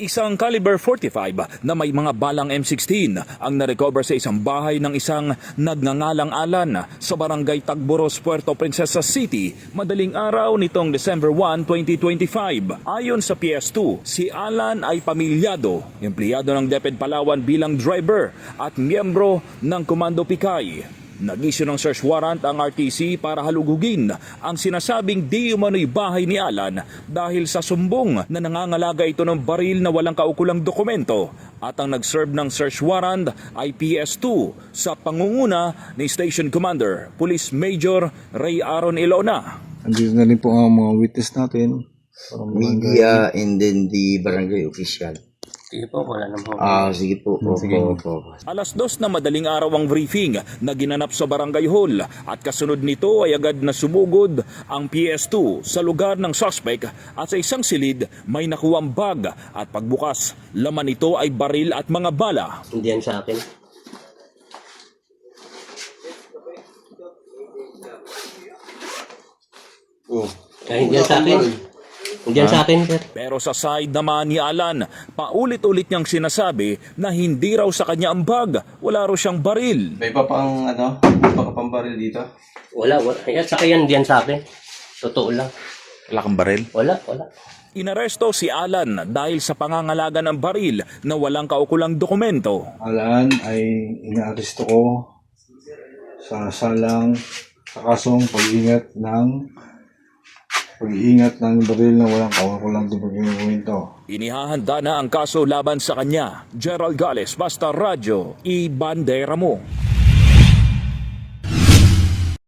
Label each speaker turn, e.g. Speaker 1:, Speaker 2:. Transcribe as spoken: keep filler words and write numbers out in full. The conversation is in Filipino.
Speaker 1: Isang caliber forty-five na may mga balang M sixteen ang narecover sa isang bahay ng isang nagngangalang Alan sa barangay Tagboros, Puerto Princesa City, madaling araw nitong December first, twenty twenty-five. Ayon sa P S two, si Alan ay pamilyado, empleyado ng DepEd Palawan bilang driver at miyembro ng Komando Pikay. Nag-issue ng search warrant ang R T C para halugugin ang sinasabing di umano'y bahay ni Alan dahil sa sumbong na nangangalaga ito ng baril na walang kaukulang dokumento, at ang nag-serve ng search warrant ay P S two sa pangunguna ni Station Commander Police Major Ray Aaron Ilona.
Speaker 2: Andito na rin po ang mga witness natin.
Speaker 3: Media and then the barangay official.
Speaker 4: Sige po, wala naman.
Speaker 3: Ah, sige po. po,
Speaker 2: Sige.
Speaker 3: po, po.
Speaker 1: Alas dos na madaling araw ang briefing na ginanap sa Barangay Hall, at kasunod nito ay agad na sumugod ang P S two sa lugar ng suspect, at sa isang silid may nakuwang bag, at pagbukas, laman nito ay baril at mga bala.
Speaker 4: Hindi yan sa akin.
Speaker 3: Oh.
Speaker 4: Kaya hindi yan sa akin. Hindi yan sa akin, sir.
Speaker 1: Pero sa side naman ni Alan, paulit-ulit niyang sinasabi na hindi raw sa kanya ang bag, wala raw siyang baril.
Speaker 5: May pa pang ano? May pa ka pang baril dito?
Speaker 4: Wala, wala. Yan, saka yan, hindi yan sa akin. Totoo lang.
Speaker 5: Wala kang baril?
Speaker 4: Wala, wala.
Speaker 1: Inaresto si Alan dahil sa pangangalaga ng baril na walang kaukulang dokumento.
Speaker 2: Alan ay inaaresto ko sa salang sa kasong pag-ingat ng pag-iingat ng baril na walang kaukulang dokumento.
Speaker 1: Inihahanda na ang kaso laban sa kanya. Gerald Gales, Basta Radyo, I Bandera Mo.